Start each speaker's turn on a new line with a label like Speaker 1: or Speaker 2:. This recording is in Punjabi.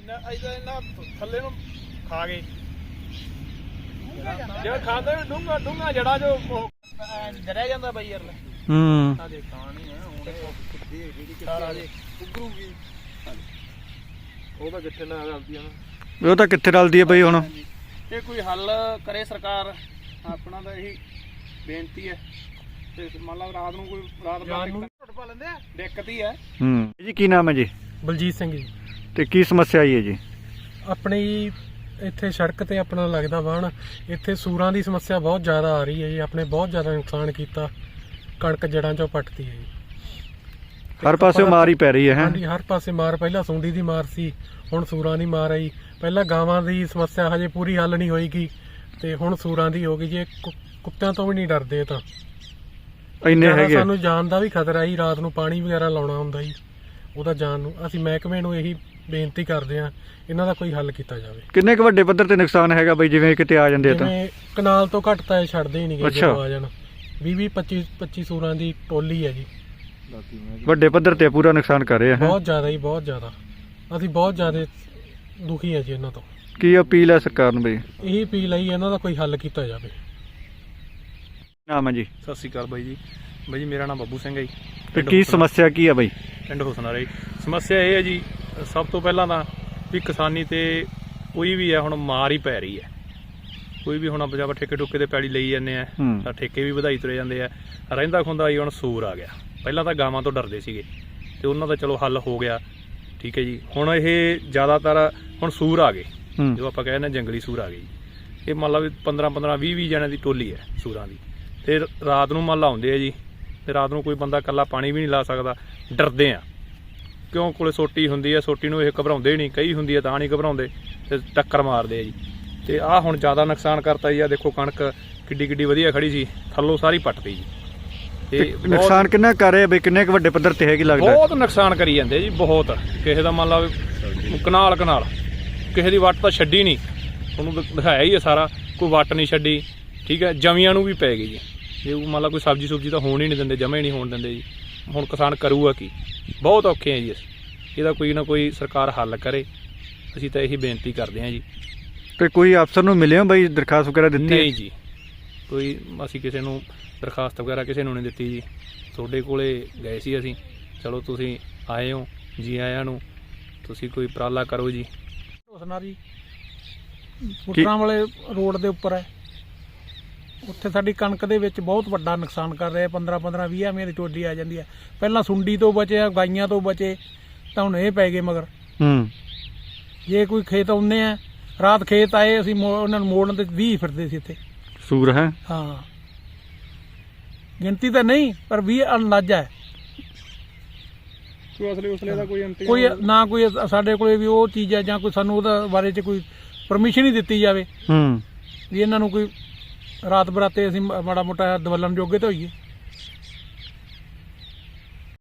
Speaker 1: ਥੱਲੇ ਨੂੰ ਖਾ ਗਏ ਜਿਹੜਾ ਖਾਂਦੇ ਡੂੰਗਾ ਡੂੰਗਾ ਜੜਾ ਜੋ ਡਰਿਆ ਜਾਂਦਾ ਬਾਈ ਯਾਰ ਆ ਦੇਖ ਕਹਾਣੀ ਹੈ ਹੁਣ ਸਾਰਾ ਦੇ ਉੱਗਰੂਗੀ ਉਹ ਤਾਂ ਕਿੱਥੇ ਨਾ ਰਲਦੀ ਆ ਨਾ
Speaker 2: ਉਹ ਤਾਂ ਕਿੱਥੇ ਰਲਦੀ ਹੈ ਬਈ ਹੁਣ
Speaker 1: ਇਹ ਕੋਈ ਹੱਲ ਕਰੇ ਸਰਕਾਰ ਆਪਣਾ ਤਾਂ ਇਹੀ ਬੇਨਤੀ ਹੈ ਤੇ ਮੰਨ ਲਾ ਰਾਤ ਨੂੰ ਕੋਈ ਰਾਤ ਨੂੰ ਟੁੱਟ ਪਾ ਲੈਂਦੇ ਆ ਦਿੱਕਤ ਹੀ ਹੈ
Speaker 2: ਜੀ ਕੀ ਨਾਮ ਹੈ ਜੀ
Speaker 3: ਬਲਜੀਤ ਸਿੰਘ ਜੀ
Speaker 2: ਤੇ ਕੀ ਸਮੱਸਿਆ ਆਈ ਹੈ ਜੀ
Speaker 3: ਆਪਣੀ ਇੱਥੇ ਸੜਕ ਤੇ ਆਪਣਾ ਲੱਗਦਾ ਵਾਹਣ ਇੱਥੇ ਸੂਰਾਂ ਦੀ ਸਮੱਸਿਆ ਬਹੁਤ ਜ਼ਿਆਦਾ ਆ ਰਹੀ ਹੈ ਜੀ ਆਪਣੇ ਬਹੁਤ ਜ਼ਿਆਦਾ ਨੁਕਸਾਨ ਕੀਤਾ ਕਣਕ ਜੜਾਂ ਚੋਂ ਪੱਟਦੀ ਹੈ ਜੀ
Speaker 2: ਹਰ ਪਾਸੇ ਮਾਰ ਹੀ ਪੈ ਰਹੀ ਹੈ
Speaker 3: ਹਾਂਜੀ ਹਰ ਪਾਸੇ ਮਾਰ ਪਹਿਲਾਂ ਸੁੰਡੀ ਦੀ ਮਾਰ ਸੀ ਹੁਣ ਸੂਰਾਂ ਦੀ ਮਾਰ ਆਈ ਪਹਿਲਾਂ ਗਾਵਾਂ ਦੀ ਸਮੱਸਿਆ ਹਜੇ ਪੂਰੀ ਹੱਲ ਨਹੀਂ ਹੋਏਗੀ ਤੇ ਹੁਣ ਸੂਰਾਂ ਦੀ ਹੋ ਗਈ ਜੀ ਕੁੱਤਿਆਂ ਤੋਂ ਵੀ ਨਹੀਂ ਡਰਦੇ ਤਾਂ
Speaker 2: ਇੰਨੇ ਹੈਗੇ
Speaker 3: ਸਾਨੂੰ ਜਾਨ ਦਾ ਵੀ ਖਤਰਾ ਜੀ ਰਾਤ ਨੂੰ ਪਾਣੀ ਵਗੈਰਾ ਲਾਉਣਾ ਹੁੰਦਾ ਜੀ ਉਹਦਾ ਜਾਨ ਨੂੰ ਅਸੀਂ ਮਹਿਕਮੇ ਨੂੰ ਇਹੀ ਬੇਨਤੀ ਕਰਦੇ ਹਾਂ ਇਹਨਾਂ ਦਾ ਕੋਈ ਹੱਲ ਕੀਤਾ ਜਾਵੇ
Speaker 2: ਕਿੰਨੇ ਕੁ ਵੱਡੇ ਪੱਧਰ ਤੇ ਨੁਕਸਾਨ ਹੈਗਾ ਬਈ ਜਿਵੇਂ ਕਿਤੇ ਆ ਜਾਂਦੇ ਤਾਂ
Speaker 3: ਕਨਾਲ ਤੋਂ ਘੱਟ ਤਾਂ ਇਹ ਛੱਡਦੇ ਹੀ ਨਹੀਂ ਗਏ ਜਦੋਂ ਆ ਜਾਣ 20-25 ਸੂਰਾਂ ਦੀ ਟੋਲੀ ਹੈ ਜੀ
Speaker 2: ਵੱਡੇ ਪੱਧਰ ਤੇ ਪੂਰਾ ਨੁਕਸਾਨ ਕਰ ਰਹੇ ਆ
Speaker 3: ਬਹੁਤ ਜ਼ਿਆਦਾ ਜੀ ਬਹੁਤ ਜ਼ਿਆਦਾ ਅਸੀਂ ਬਹੁਤ ਜ਼ਿਆਦਾ ਦੁਖੀ ਹੈ ਜੀ ਇਹਨਾਂ ਤੋਂ
Speaker 2: ਕੀ ਅਪੀਲ ਹੈ ਸਰਕਾਰ ਨੂੰ ਬਈ
Speaker 3: ਇਹੀ ਅਪੀਲ ਹੈ ਇਹਨਾਂ ਦਾ ਕੋਈ ਹੱਲ ਕੀਤਾ ਜਾਵੇ
Speaker 2: ਨਾਮ ਹੈ ਜੀ
Speaker 1: ਸਤਿ ਸ਼੍ਰੀ ਅਕਾਲ ਬਾਈ ਜੀ ਮੇਰਾ ਨਾਮ ਬੱਬੂ ਸਿੰਘ ਹੈ ਜੀ
Speaker 2: ਤੇ ਕੀ ਸਮੱਸਿਆ ਕੀ ਹੈ ਬਈ
Speaker 1: ਪਿੰਡ ਹੁਸਨਾਰੇ ਸਮੱਸਿਆ ਇਹ ਹੈ ਜੀ ਸਭ ਤੋਂ ਪਹਿਲਾਂ ਤਾਂ ਵੀ ਕਿਸਾਨੀ ਤੇ ਕੋਈ ਵੀ ਹੈ ਹੁਣ ਮਾਰ ਹੀ ਪੈ ਰਹੀ ਹੈ ਕੋਈ ਵੀ ਹੁਣ ਆਪਾਂ ਠੇਕੇ ਠੁਕੇ ਤੇ ਪੈੜੀ ਲਈ ਜਾਂਦੇ ਆ ਤਾਂ ਠੇਕੇ ਵੀ ਵਧਾਈ ਤੁਰੇ ਜਾਂਦੇ ਆ ਰਹਿੰਦਾ ਖੁੰਦਾ ਜੀ ਹੁਣ ਸੂਰ ਆ ਗਿਆ ਪਹਿਲਾਂ ਤਾਂ ਗਾਵਾਂ ਤੋਂ ਡਰਦੇ ਸੀਗੇ ਤੇ ਉਹਨਾਂ ਦਾ ਚਲੋ ਹੱਲ ਹੋ ਗਿਆ ਠੀਕ ਹੈ ਜੀ ਹੁਣ ਇਹ ਜ਼ਿਆਦਾਤਰ ਹੁਣ ਸੂਰ ਆ ਗਏ ਜੋ ਆਪਾਂ ਕਹਿੰਦੇ ਜੰਗਲੀ ਸੂਰ ਆ ਗਏ ਜੀ ਇਹ ਮੰਨ ਲਾ ਵੀ 15-20 ਜਣਿਆਂ ਦੀ ਟੋਲੀ ਹੈ ਸੂਰਾਂ ਦੀ ਤੇ ਰਾਤ ਨੂੰ ਮੰਨ ਲਾ ਆਉਂਦੇ ਆ ਜੀ ਤੇ ਰਾਤ ਨੂੰ ਕੋਈ ਬੰਦਾ ਇਕੱਲਾ ਪਾਣੀ ਵੀ ਨਹੀਂ ਲਾ ਸਕਦਾ ਡਰਦੇ ਆ ਕਿਉਂ ਕੋਲੇ ਸੋਟੀ ਹੁੰਦੀ ਹੈ ਸੋਟੀ ਨੂੰ ਇਹ ਘਬਰਾਉਂਦੇ ਨਹੀਂ ਕਈ ਹੁੰਦੀ ਹੈ ਤਾਂ ਨਹੀਂ ਘਬਰਾਉਂਦੇ ਤੇ ਟੱਕਰ ਮਾਰਦੇ ਆ ਜੀ ਤੇ ਆਹ ਹੁਣ ਜ਼ਿਆਦਾ ਨੁਕਸਾਨ ਕਰਤਾ ਜੀ ਆ ਦੇਖੋ ਕਣਕ ਕਿੱਡੀ ਵਧੀਆ ਖੜੀ ਸੀ ਥੱਲੋਂ ਸਾਰੀ ਪੱਟਤੀ ਜੀ ਤੇ
Speaker 2: ਨੁਕਸਾਨ ਕਿੰਨਾ ਕਰ ਰਹੇ ਬਈ ਕਿੰਨੇ ਕੁ ਵੱਡੇ ਪੱਧਰ ਤੇ ਹੈਗੀ ਲੱਗਦਾ
Speaker 1: ਬਹੁਤ ਨੁਕਸਾਨ ਕਰੀ ਜਾਂਦੇ ਜੀ ਬਹੁਤ ਕਿਸੇ ਦਾ ਮੰਨ ਲਾ ਕਨਾਲ ਕਿਸੇ ਦੀ ਵੱਟ ਤਾਂ ਛੱਡੀ ਨਹੀਂ ਉਹਨੂੰ ਦਿਖਾਇਆ ਹੀ ਹੈ ਸਾਰਾ ਕੋਈ ਵੱਟ ਨਹੀਂ ਛੱਡੀ ਠੀਕ ਹੈ ਜਮੀਆਂ ਨੂੰ ਵੀ ਪੈ ਗਈ ਜੀ ਜੇ ਮੰਨ ਲਾ ਕੋਈ ਸਬਜ਼ੀ ਤਾਂ ਹੋਣ ਹੀ ਨਹੀਂ ਦਿੰਦੇ ਜਮਾ ਹੀ ਨਹੀਂ ਹੋਣ ਦਿੰਦੇ ਜੀ ਹੁਣ ਕਿਸਾਨ ਕਰੂਗਾ ਕੀ ਬਹੁਤ ਔਖੇ ਆ ਜੀ ਇਹਦਾ ਕੋਈ ਨਾ ਕੋਈ ਸਰਕਾਰ ਹੱਲ ਕਰੇ ਅਸੀਂ ਤਾਂ ਇਹੀ ਬੇਨਤੀ ਕਰਦੇ ਹਾਂ ਜੀ
Speaker 2: ਤੇ ਕੋਈ ਅਫਸਰ ਨੂੰ ਮਿਲਿਓ ਬਈ ਦਰਖਾਸਤ ਵਗੈਰਾ ਦਿੱਤੀ
Speaker 1: ਨਹੀਂ ਜੀ ਕੋਈ ਅਸੀਂ ਕਿਸੇ ਨੂੰ ਦਰਖਾਸਤ ਵਗੈਰਾ ਕਿਸੇ ਨੂੰ ਨਹੀਂ ਦਿੱਤੀ ਜੀ ਤੁਹਾਡੇ ਕੋਲੇ ਗਏ ਸੀ ਅਸੀਂ ਚਲੋ ਤੁਸੀਂ ਆਏ ਹੋ ਜੀ ਆਇਆਂ ਨੂੰ ਤੁਸੀਂ ਕੋਈ ਉਪਰਾਲਾ ਕਰੋ ਜੀ
Speaker 3: ਹੁਸਨਾਰੀ ਪੁੱਟਰਾਂ ਵਾਲੇ ਰੋਡ ਦੇ ਉੱਪਰ ਹੈ ਉੱਥੇ ਸਾਡੀ ਕਣਕ ਦੇ ਵਿੱਚ ਬਹੁਤ ਵੱਡਾ ਨੁਕਸਾਨ ਕਰ ਰਿਹਾ 15-20 ਐਵੇਂ ਦੀ ਟੋਲੀ ਆ ਜਾਂਦੀ ਹੈ ਪਹਿਲਾਂ ਸੁੰਡੀ ਤੋਂ ਬਚੇ ਗਾਈਆਂ ਤੋਂ ਬਚੇ ਤਾਂ ਹੁਣ ਇਹ ਪੈ ਗਏ ਮਗਰ ਜੇ ਕੋਈ ਖੇਤ ਆਉਂਦੇ ਆ ਰਾਤ ਖੇਤ ਆਏ ਅਸੀਂ ਉਹਨਾਂ ਨੂੰ ਮੋੜਨ ਤੇ 20 ਫਿਰਦੇ ਸੀ ਇੱਥੇ
Speaker 2: ਸੂਰ ਹੈ
Speaker 3: ਹਾਂ ਗਿਣਤੀ ਤਾਂ ਨਹੀਂ ਪਰ 20 ਅੰਦਾਜ਼ਾ ਹੈ
Speaker 1: ਉਸਲੇ ਦਾ
Speaker 3: ਕੋਈ ਨਾ ਕੋਈ ਸਾਡੇ ਕੋਲੇ ਵੀ ਉਹ ਚੀਜ਼ ਹੈ ਜਾਂ ਕੋਈ ਸਾਨੂੰ ਉਹਦਾ ਬਾਰੇ 'ਚ ਕੋਈ ਪਰਮਿਸ਼ਨ ਹੀ ਦਿੱਤੀ ਜਾਵੇ ਵੀ ਇਹਨਾਂ ਨੂੰ ਕੋਈ ਰਾਤ ਬਰਾਤੇ ਅਸੀਂ ਮਾੜਾ ਮੋਟਾ ਦਵਲਣ ਜੋਗੇ ਤਾਂ ਹੋਈਏ